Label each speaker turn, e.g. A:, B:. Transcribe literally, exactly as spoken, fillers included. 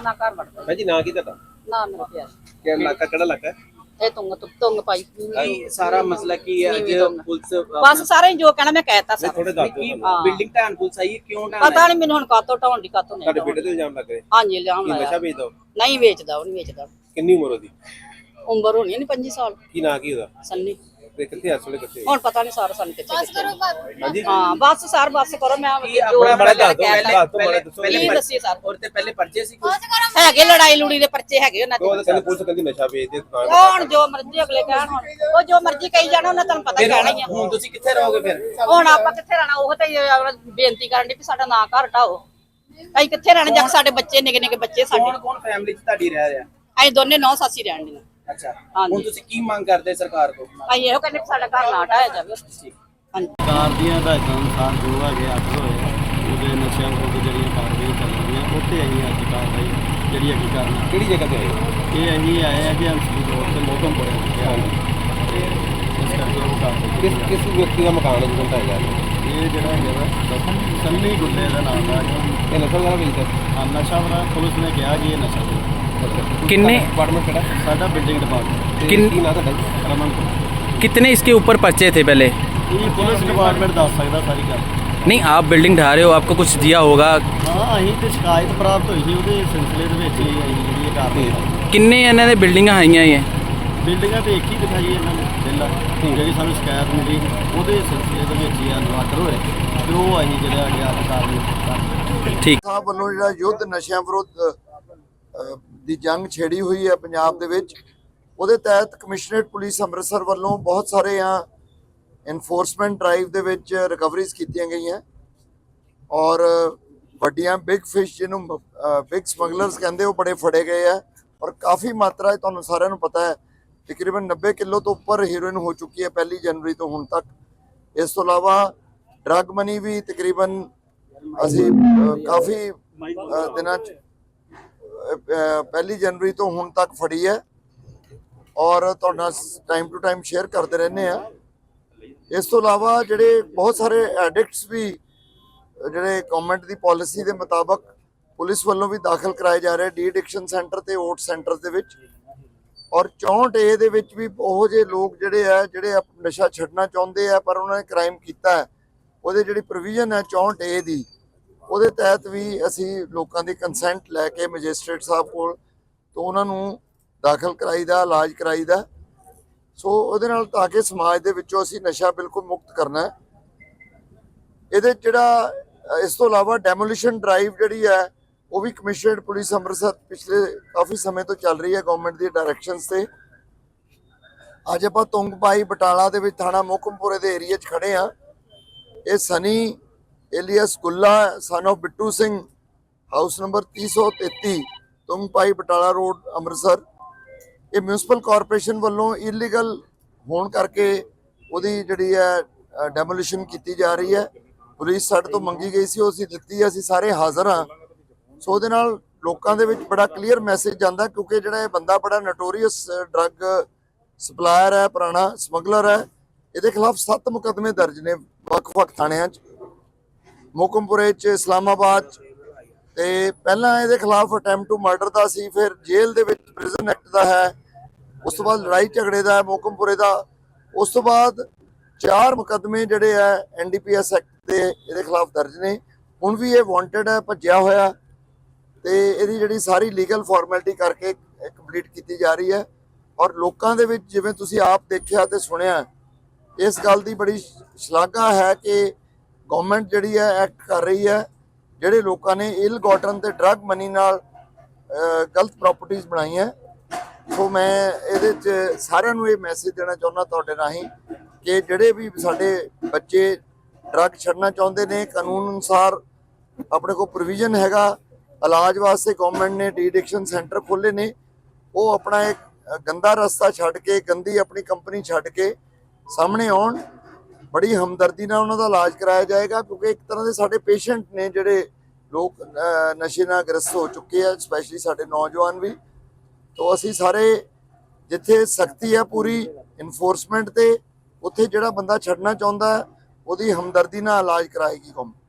A: ना घर वड़दा।
B: हां जी, ना की ਤੁਹਾਡਾ?
A: ना मेरा प्यार।
B: ਕਿਹੜਾ ਇਲਾਕਾ ਕਿਹੜਾ ਇਲਾਕਾ ਹੈ?
A: ਇਹ ਤੁੰਗ ਤੁੰਗ ਪਾਈ
C: ਇਹ ਸਾਰਾ ਮਸਲਾ ਕੀ ਹੈ ਅੱਜ ਪੁਲਿਸ
A: ਬਸ ਸਾਰੇ ਜੋ ਕਹਿਣਾ ਮੈਂ ਕਹਿਤਾ
B: ਨਹੀਂ
A: ਸਾਰਾ।
B: ਥੋੜੇ ਦੱਸ ਦਿਓ ਸਾਨੂੰ।
C: ਬਿਲਡਿੰਗ ਢਾਣ ਪੁਲਿਸ ਆਈ ਹੈ, ਕਿਉਂ ਢਾਣ
A: ਪਤਾ ਨਹੀਂ ਮੈਨੂੰ ਹੁਣ ਕਾਤੋਂ ਢਾਉਣ ਦੀ ਕਾਤੋਂ ਨਹੀਂ।
B: ਤੁਹਾਡੇ ਬੇਟੇ ਤੇ ਇਲਜ਼ਾਮ ਲੱਗ ਰਹੇ
A: ਹਾਂਜੀ ਇਲਜ਼ਾਮ
B: ਕਿ ਨਸ਼ਾ
A: ਲਾਇਆ।
B: ਵੇਚਦਾ ਉਹ?
A: ਨਹੀਂ ਵੇਚਦਾ, ਉਹ ਨਹੀਂ ਵੇਚਦਾ।
B: ਕਿੰਨੀ ਉਮਰ ਉਹਦੀ?
A: ਉਮਰ ਹੋਣੀ ਨਹੀਂ ਪੰਜੀ ਸਾਲ।
B: ਕੀ ਨਾਂ ਕੀ ਉਹਦਾ?
A: ਸੰਨੀ।
B: ਤੇ ਕਿੱਥੇ ਇਸ ਵੇਲੇ ਕਿੱਥੇ?
A: ਹੁਣ ਪਤਾ ਨਹੀਂ ਸਾਰਾ ਸਾਨੂੰ ਕਿੱਥੇ ਕਿੱਥੇ।
B: ਹਾਂਜੀ
A: ਹਾਂ ਬਸ ਸਰ ਬਸ ਕਰੋ। ਮੈਂ
B: ਆਪਣਾ ਬੜਾ ਦੱਸ ਦਿਓ, ਦੱਸ ਦਿਓ, ਬੜਾ ਦੱਸੋ।
A: ਪਹਿਲੇ ਦੱਸੀ ਸਰ
C: ਔਰ ਤੇ ਪਹਿਲੇ ਪਰਚੇ ਸੀ ਕੁਝ
A: ਹੈਗੇ ਲੜਾਈ ਲੂੜੀ ਦੇ ਪਰਚੇ ਹੈਗੇ ਉਹਨਾਂ
B: ਉਹ
A: ਦੇ।
B: ਕਹਿੰਦੇ ਪੁਲਿਸ ਕਹਿੰਦੀ ਨਸ਼ਾ ਵੇਚਦੇ ਦੁਕਾਨ।
A: ਹੁਣ ਜੋ ਮਰਜ਼ੀ ਅਗਲੇ ਕਹਿਣ, ਹੁਣ ਉਹ ਜੋ ਮਰਜ਼ੀ ਕਹੀ ਜਾਣਾ ਉਹਨਾਂ ਤੁਹਾਨੂੰ ਪਤਾ ਕਹਿਣਾ ਹੀ ਆ।
C: ਹੁਣ ਤੁਸੀਂ ਕਿੱਥੇ ਰਹੋਗੇ ਫਿਰ?
A: ਹੁਣ ਆਪਾਂ ਕਿੱਥੇ ਰਹਿਣਾ? ਉਹ ਤਾਂ ਬੇਨਤੀ ਕਰਨ ਦੀ ਵੀ ਸਾਡਾ ਨਾਂ ਘਰ ਢਾਓ। ਅਸੀਂ ਕਿੱਥੇ ਰਹਿਣਾ ਜਦ ਸਾਡੇ ਬੱਚੇ ਨਿੱਕੇ ਨਿੱਕੇ ਬੱਚੇ ਸਾਡੇ।
C: ਕੌਣ ਕੌਣ ਫੈਮਿਲੀ ਚ ਤੁਹਾਡੀ ਰਹਿ ਰਿਹਾ?
A: ਅਸੀਂ ਦੋਨੇ ਨੌ ਸਾਸੀ ਰਹਿਣ ਦੀਆਂ।
C: ਅੱਛਾ
A: ਹਾਂਜੀ।
C: ਹੁਣ ਤੁਸੀਂ ਕੀ ਮੰਗ ਕਰਦੇ ਸਰਕਾਰ ਤੋਂ?
A: ਅਸੀਂ ਇਹੋ ਕਹਿੰਦੇ ਵੀ ਸਾਡਾ ਘਰ ਨਾ ਢਾਇਆ ਜਾਵੇ। ਹਾਂਜੀ
D: ਸਰਕਾਰ ਦੀਆਂ ਹਦਾਇਤਾਂ ਅਨੁਸਾਰ ਜੋ ਹੈਗੇ ਅੱਠ ਹੋਏ ਉਹਦੇ ਨਸ਼ਿਆਂ ਵਿਰੁੱਧ ਜਿਹੜੀਆਂ ਕਾਰਵਾਈ ਚੱਲ ਰਹੀਆਂ ਉੱਥੇ ਅਸੀਂ ਅੱਜ ਕਾਰਵਾਈ ਜਿਹੜੀ ਹੈਗੀ ਕਰਨਾ।
B: ਕਿਹੜੀ ਜਗ੍ਹਾ ਤੇ ਆਏ?
D: ਇਹ ਅਸੀਂ ਆਏ ਹਾਂ ਜੀ ਹੰਸਲੀ ਰੋਡ ਤੇ ਮੋਹਕਮ ਪੜਿਆ ਤੇ ਇਸ ਕਰਕੇ ਉਹ ਕਾਰਵਾਈ
B: ਕਿਸ ਕਿਸ ਵਿਅਕਤੀ ਦਾ ਮਕਾਨ ਹੈ ਜਿਹਨੂੰ ਢਾਇਆ ਜਾ ਰਿਹਾ?
D: ਇਹ ਜਿਹੜਾ ਹੈਗਾ ਸੰਨੀ ਗੁੱਲੇ ਦਾ ਨਾਮ ਦਾ
B: ਇਹ ਨਸ਼ਾ ਵਗੈਰਾ ਵੇਚਦਾ?
D: ਹਾਂ ਨਸ਼ਾ ਵਾਲਾ ਪੁਲਿਸ ਨੇ ਕਿਹਾ ਜੀ ਇਹ ਨਸ਼ਾ ਵੇਚਦਾ।
E: कितने
B: डिपार्टमेंट किहड़ा?
D: ਸਾਡਾ ਬਿਲਡਿੰਗ ਡਿਪਾਰਟਮੈਂਟ।
B: किन की ना ਤੁਹਾਡਾ?
D: ਰਮਨ
E: कितने इसके ऊपर पर्चे थे पहले?
D: ਇਹ ਪੁਲਿਸ ਡਿਪਾਰਟਮੈਂਟ ਦੱਸ ਸਕਦਾ ਸਾਰੀ ਗੱਲ।
E: नहीं आप बिल्डिंग ढा रहे हो, आपको कुछ दिया होगा।
D: ਹਾਂ ਅਸੀਂ ਤੇ ਸ਼ਿਕਾਇਤ ਪ੍ਰਾਪਤ ਹੋਈ ਸੀ ਉਹਦੇ ਸਿਲਸਿਲੇ ਦੇ ਵਿੱਚ ਹੀ ਅਸੀਂ ਜਿਹੜੀ ਇਹ ਕਾਰਵਾਈ।
E: किन्ने इन्हों ने बिल्डिंगां हाईयां ये?
D: ਬਿਲਡਿੰਗਾਂ ਤੇ ਇੱਕ ਹੀ ਦਿਖਾਈ ਇਹਨਾਂ ਨੇ ਪਹਿਲਾਂ ਜਿਹੜੀ ਸਾਨੂੰ ਸ਼ਿਕਾਇਤ ਮਿਲੀ ਉਹਦੇ ਸਿਲਸਿਲੇ ਦੇ ਵਿੱਚ ਹੀ ਅਨਵਾਟਰ ਹੋਏ ਤੇ ਉਹ ਅਸੀਂ ਜਿਹੜਾ ਹੈਗਾ ਅੱਜ ਕਾਰਵਾਈ
E: ठीक
F: ਸਾਹਿਬ ਵੱਲੋਂ ਜਿਹੜਾ ਯੁੱਧ ਨਸ਼ਿਆਂ ਵਿਰੁੱਧ ਅ, ਦੀ ਜੰਗ ਛੇੜੀ ਹੋਈ ਹੈ ਪੰਜਾਬ ਦੇ ਵਿੱਚ, ਉਹਦੇ ਤਹਿਤ ਕਮਿਸ਼ਨਰੇਟ ਪੁਲਿਸ ਅੰਮ੍ਰਿਤਸਰ ਵੱਲੋਂ ਬਹੁਤ ਸਾਰੇ ਆ ਇਨਫੋਰਸਮੈਂਟ ਡਰਾਈਵ ਦੇ ਵਿੱਚ ਰਿਕਵਰੀਜ਼ ਕੀਤੀਆਂ ਗਈਆਂ ਔਰ ਵੱਡੀਆਂ ਬਿਗ ਫਿਸ਼ ਜਿਹਨੂੰ ਬਿਗ ਸਮਗਲਰਸ ਕਹਿੰਦੇ ਉਹ ਬੜੇ ਫੜੇ ਗਏ ਆ ਔਰ ਕਾਫੀ ਮਾਤਰਾ ਤੁਹਾਨੂੰ ਸਾਰਿਆਂ ਨੂੰ ਪਤਾ ਹੈ ਤਕਰੀਬਨ ਨੱਬੇ ਕਿਲੋ ਤੋਂ ਉੱਪਰ ਹੀਰੋਇਨ ਹੋ ਚੁੱਕੀ ਹੈ ਪਹਿਲੀ ਜਨਵਰੀ ਤੋਂ ਹੁਣ ਤੱਕ। ਇਸ ਤੋਂ ਇਲਾਵਾ ਡਰੱਗ ਮਨੀ ਵੀ ਤਕਰੀਬਨ ਅਸੀਂ ਅ, ਕਾਫੀ ਅ, ਦਿਨਾਂ 'ਚ ਪਹਿਲੀ ਜਨਵਰੀ ਤੋਂ ਹੁਣ ਤੱਕ ਫੜੀ ਹੈ ਔਰ ਤੁਹਾਡਾ ਟਾਈਮ ਟੂ ਟਾਈਮ ਸ਼ੇਅਰ ਕਰਦੇ ਰਹਿੰਦੇ ਆ। ਇਸ ਤੋਂ ਇਲਾਵਾ ਜਿਹੜੇ ਬਹੁਤ ਸਾਰੇ ਐਡਿਕਟਸ ਵੀ ਜਿਹੜੇ ਗਵਰਨਮੈਂਟ ਦੀ ਪਾਲਿਸੀ ਦੇ ਮੁਤਾਬਕ ਪੁਲਿਸ ਵੱਲੋਂ ਵੀ ਦਾਖਲ ਕਰਾਏ ਜਾ ਰਹੇ ਡੀ ਐਡਿਕਸ਼ਨ ਸੈਂਟਰ ਤੇ ਓਟ ਸੈਂਟਰ ਦੇ ਵਿੱਚ ਔਰ ਚੌਂਹਠ ਏ ਦੇ ਵਿੱਚ ਵੀ ਉਹ ਜਿਹੇ ਲੋਕ ਜਿਹੜੇ ਆ ਜਿਹੜੇ ਨਸ਼ਾ ਛੱਡਣਾ ਚਾਹੁੰਦੇ ਆ ਪਰ ਉਹਨਾਂ ਨੇ ਕ੍ਰਾਈਮ ਕੀਤਾ ਹੈ ਉਹਦੇ ਜਿਹੜੀ ਪ੍ਰੋਵੀਜ਼ਨ ਹੈ ਚੌਂਹਠ ਏ ਦੀ ਉਹਦੇ ਤਹਿਤ ਵੀ ਅਸੀਂ ਲੋਕਾਂ ਦੀ ਕੰਸੈਂਟ ਲੈ ਕੇ ਮੈਜਿਸਟ੍ਰੇਟ ਸਾਹਿਬ ਕੋਲ ਤੋਂ ਉਹਨਾਂ ਨੂੰ ਦਾਖਲ ਕਰਾਈਦਾ ਇਲਾਜ ਕਰਾਈਦਾ। ਸੋ ਉਹਦੇ ਨਾਲ ਤਾਂ ਕਿ ਸਮਾਜ ਦੇ ਵਿੱਚੋਂ ਅਸੀਂ ਨਸ਼ਾ ਬਿਲਕੁਲ ਮੁਕਤ ਕਰਨਾ। ਇਹਦੇ ਜਿਹੜਾ ਇਸ ਤੋਂ ਇਲਾਵਾ ਡੈਮੋਲੀਸ਼ਨ ਡਰਾਈਵ ਜਿਹੜੀ ਹੈ ਉਹ ਵੀ ਕਮਿਸ਼ਨਰੇਟ ਪੁਲਿਸ ਅੰਮ੍ਰਿਤਸਰ ਪਿਛਲੇ ਕਾਫੀ ਸਮੇਂ ਤੋਂ ਚੱਲ ਰਹੀ ਹੈ ਗਵਰਨਮੈਂਟ ਦੀ ਡਾਇਰੈਕਸ਼ਨਸ ਤੇ। ਅੱਜ ਆਪਾਂ ਤੁੰਗਪਾਈ ਬਟਾਲਾ ਦੇ ਵਿੱਚ ਥਾਣਾ ਮੋਹਕਮਪੁਰੇ ਦੇ ਏਰੀਆ 'ਚ ਖੜੇ ਆ। ਇਹ Sunny alias Gulla son of Bittu Singh house number तीन सौ तैंतीस ਤੁੰਗਪਾਈ ਬਟਾਲਾ ਰੋਡ ਅੰਮ੍ਰਿਤਸਰ। ਇਹ ਮਿਊਨਿਸਪਲ ਕਾਰਪੋਰੇਸ਼ਨ ਵੱਲੋਂ ਇਲੀਗਲ ਹੋਣ ਕਰਕੇ ਉਹਦੀ ਜਿਹੜੀ ਹੈ ਡੈਮੋਲੀਸ਼ਨ ਕੀਤੀ ਜਾ ਰਹੀ ਹੈ। ਪੁਲਿਸ ਸਾਡੇ ਤੋਂ ਮੰਗੀ ਗਈ ਸੀ ਉਹ ਅਸੀਂ ਦਿੱਤੀ ਹੈ, ਅਸੀਂ ਸਾਰੇ ਹਾਜ਼ਰ ਹਾਂ। ਸੋ ਉਹਦੇ ਨਾਲ ਲੋਕਾਂ ਦੇ ਵਿੱਚ ਬੜਾ ਕਲੀਅਰ ਮੈਸੇਜ ਜਾਂਦਾ ਕਿਉਂਕਿ ਜਿਹੜਾ ਇਹ ਬੰਦਾ ਬੜਾ ਨੋਟੋਰੀਅਸ ਡਰੱਗ ਸਪਲਾਇਰ ਹੈ, ਪੁਰਾਣਾ ਸਮਗਲਰ ਹੈ। ਇਹਦੇ ਖਿਲਾਫ ਸੱਤ ਮੁਕੱਦਮੇ ਦਰਜ ਨੇ ਵੱਖ-ਵੱਖ ਥਾਣਿਆਂ 'ਚ, ਮੋਹਕਮਪੁਰੇ 'ਚ, ਇਸਲਾਮਾਬਾਦ 'ਚ ਤੇ ਪਹਿਲਾਂ ਇਹਦੇ ਖਿਲਾਫ ਅਟੈਂਪਟ ਟੂ ਮਰਡਰ ਦਾ ਸੀ, ਫਿਰ ਜੇਲ੍ਹ ਦੇ ਵਿੱਚ ਪ੍ਰਿਜ਼ਨ ਐਕਟ ਦਾ ਹੈ, ਉਸ ਤੋਂ ਬਾਅਦ ਲੜਾਈ ਝਗੜੇ ਦਾ ਹੈ ਮੋਹਕਮਪੁਰੇ ਦਾ, ਉਸ ਤੋਂ ਬਾਅਦ ਚਾਰ ਮੁਕੱਦਮੇ ਜਿਹੜੇ ਆ N D P S act ਦੇ ਇਹਦੇ ਖਿਲਾਫ ਦਰਜ ਨੇ। ਹੁਣ ਵੀ ਇਹ ਵਾਂਟਡ ਹੈ, ਭੱਜਿਆ ਹੋਇਆ ਤੇ ਇਹਦੀ ਜਿਹੜੀ ਸਾਰੀ ਲੀਗਲ ਫਾਰਮੈਲਿਟੀ ਕਰਕੇ ਕੰਪਲੀਟ ਕੀਤੀ ਜਾ ਰਹੀ ਹੈ ਔਰ ਲੋਕਾਂ ਦੇ ਵਿੱਚ ਜਿਵੇਂ ਤੁਸੀਂ ਆਪ ਦੇਖਿਆ ਤੇ ਸੁਣਿਆ ਇਸ ਗੱਲ ਦੀ ਬੜੀ ਸ਼ਲਾਘਾ ਹੈ ਕਿ ਗਵਰਨਮੈਂਟ ਜਿਹੜੀ ਹੈ ਐਕਟ ਕਰ ਰਹੀ ਹੈ। ਜਿਹੜੇ ਲੋਕਾਂ ਨੇ ਇਲ ਗੋਟਨ ਤੇ ਡਰੱਗ ਮਨੀ ਨਾਲ ਗਲਤ ਪ੍ਰਾਪਰਟੀਆਂ ਬਣਾਈਆਂ। ਸੋ ਮੈਂ ਇਹਦੇ 'ਚ ਸਾਰਿਆਂ ਨੂੰ ਇਹ ਮੈਸੇਜ ਦੇਣਾ ਚਾਹੁੰਦਾ ਤੁਹਾਡੇ ਰਾਹੀਂ ਕਿ ਜਿਹੜੇ ਵੀ ਸਾਡੇ ਬੱਚੇ ਡਰੱਗ ਛੱਡਣਾ ਚਾਹੁੰਦੇ ਨੇ ਕਾਨੂੰਨ ਅਨੁਸਾਰ ਆਪਣੇ ਕੋਲ ਪ੍ਰੋਵੀਜ਼ਨ ਹੈਗਾ ਇਲਾਜ ਵਾਸਤੇ, ਗਵਰਨਮੈਂਟ ਨੇ ਡੀ ਐਡਿਕਸ਼ਨ ਸੈਂਟਰ ਖੋਲ੍ਹੇ ਨੇ, ਉਹ ਆਪਣਾ ਇੱਕ ਗੰਦਾ ਰਸਤਾ ਛੱਡ ਕੇ ਗੰਦੀ ਆਪਣੀ ਕੰਪਨੀ ਛੱਡ ਕੇ ਸਾਹਮਣੇ ਆਉਣ। ਬੜੀ ਹਮਦਰਦੀ ਨਾਲ ਉਹਨਾਂ ਦਾ ਇਲਾਜ ਕਰਾਇਆ ਜਾਏਗਾ ਕਿਉਂਕਿ ਇੱਕ ਤਰ੍ਹਾਂ ਦੇ ਸਾਡੇ ਪੇਸ਼ੈਂਟ ਨੇ ਜਿਹੜੇ ਲੋਕ ਨਸ਼ੇ ਨਾਲ ਗ੍ਰਸਤ ਹੋ ਚੁੱਕੇ ਆ, ਸਪੈਸ਼ਲੀ ਸਾਡੇ ਨੌਜਵਾਨ ਵੀ। ਤੋਂ ਅਸੀਂ ਸਾਰੇ ਜਿੱਥੇ ਸਖਤੀ ਹੈ ਪੂਰੀ ਇਨਫੋਰਸਮੈਂਟ ਤੇ, ਉੱਥੇ ਜਿਹੜਾ ਬੰਦਾ ਛੱਡਣਾ ਚਾਹੁੰਦਾ ਉਹਦੀ ਹਮਦਰਦੀ ਨਾਲ ਇਲਾਜ ਕਰਾਏਗੀ ਕੌਮ।